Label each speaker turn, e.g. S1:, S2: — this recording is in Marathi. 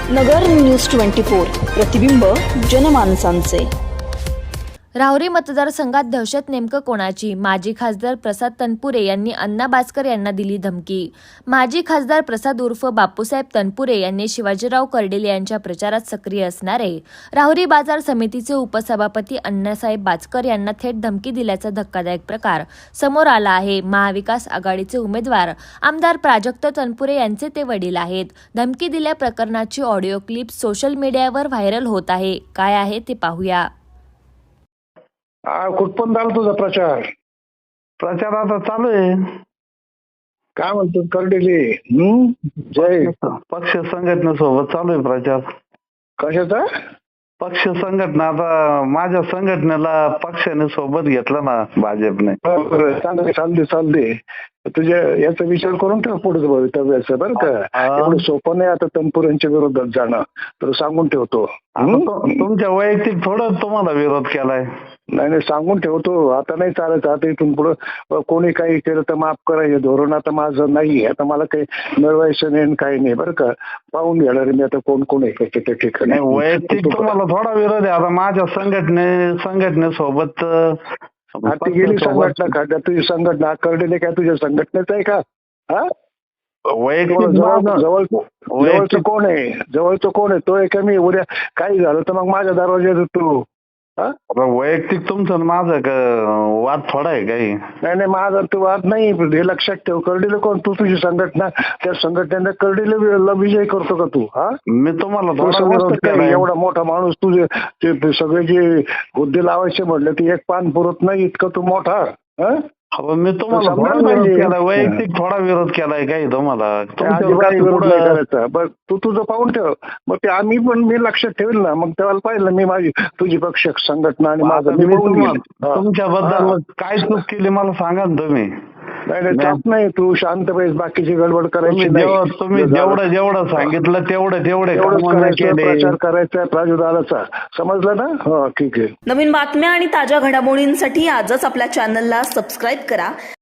S1: नगर न्यूज 24 प्रतिबिंब जनमानसांचे।
S2: राहुरी मतदारसंघात दहशत नेमकं कोणाची? माजी खासदार प्रसाद तनपुरे यांनी अण्णा भास्कर यांना दिली धमकी। माजी खासदार प्रसाद उर्फ बापूसाहेब तनपुरे यांनी शिवाजीराव कर्डिले यांच्या प्रचारात सक्रिय असणारे राहुरी बाजार समितीचे उपसभापती अण्णासाहेब भास्कर यांना थेट धमकी दिल्याचा धक्कादायक प्रकार समोर आला आहे। महाविकास आघाडीचे उमेदवार आमदार प्राजक्त तनपुरे यांचे ते वडील आहेत। धमकी दिल्या प्रकरणाची ऑडिओ क्लिप सोशल मीडियावर व्हायरल होत आहे। काय आहे ते पाहूया।
S3: कुठपर्यंत आला तुझा प्रचार?
S4: प्रचार आता चालू आहे।
S3: काय म्हणतो कर्डिले? जय
S4: पक्ष संघटनेसोबत चालू आहे प्रचार।
S3: कशाचा
S4: पक्ष संघटना? आता माझ्या संघटनेला पक्षाने सोबत घेतलं ना भाजपने।
S3: चालते तुझ्या याचा विचार करून ठेव पुढे भवितव्याचं बरं का। एवढं सोपं नाही आता तनपुरेंच्या विरोधात जाणं, तर सांगून ठेवतो।
S4: तुमच्या वैयक्तिक थोडं तुम्हाला विरोध केलाय?
S3: नाही सांगून ठेवतो, आता नाही चालत। आता इथून पुढे कोणी काही केलं तर माफ करायचं धोरण आता माझं नाही। आता मला काही मिळवायचं नाही काही नाही बरं का। पाहून घेणार मी आता कोण कोण आहे त्या ठिकाणी।
S4: वैयक्तिक तुम्हाला थोडा विरोध आहे। आता माझ्या संघटनेसोबत
S3: ती गेली संघटना का? तुझी संघटना कर्डिले काय तुझ्या संघटनेचं आहे का? हा जवळचं कोण आहे? जवळचं कोण आहे? तो आहे का मी? उद्या काही झालं तर मग माझ्या दरवाज्यात तू
S4: वैयक्तिक तुमचं माझं वाद थोडा आहे काही?
S3: नाही माझा तो वाद नाही, हे लक्षात ठेव। कर्डिले कोण? तू तुझी संघटना, त्या संघटनेने कर्डिले विजय करतो का तू? हा
S4: मी तुम्हाला
S3: एवढा मोठा माणूस तुझे सगळे जे हुद्दे लावायचे म्हटले ते एक पान पुरत नाही इतकं तू मोठा।
S4: मी तुम्हाला वैयक्तिक थोडा विरोध केलाय काही तुम्हाला?
S3: करायचा बघ तू तुझं पाहून ठेव। मग ते मी लक्षात ठेवेल ना, मग तेव्हा पाहिलं मी माझी तुझी पक्ष संघटना आणि माझं
S4: तुमच्याबद्दल काय चूक केली मला सांगा ना तुम्ही?
S3: नाही तू शांत पाहिजे, बाकीची गडबड करायची
S4: नाही। तुम्ही जेवढं सांगितलं तेवढे
S3: प्रचार करायचा प्राजुर्भावाचा, समजलं ना? हो ठीक आहे।
S1: नवीन बातम्या आणि ताज्या घडामोडींसाठी आजच आपल्या चॅनलला सबस्क्राईब करा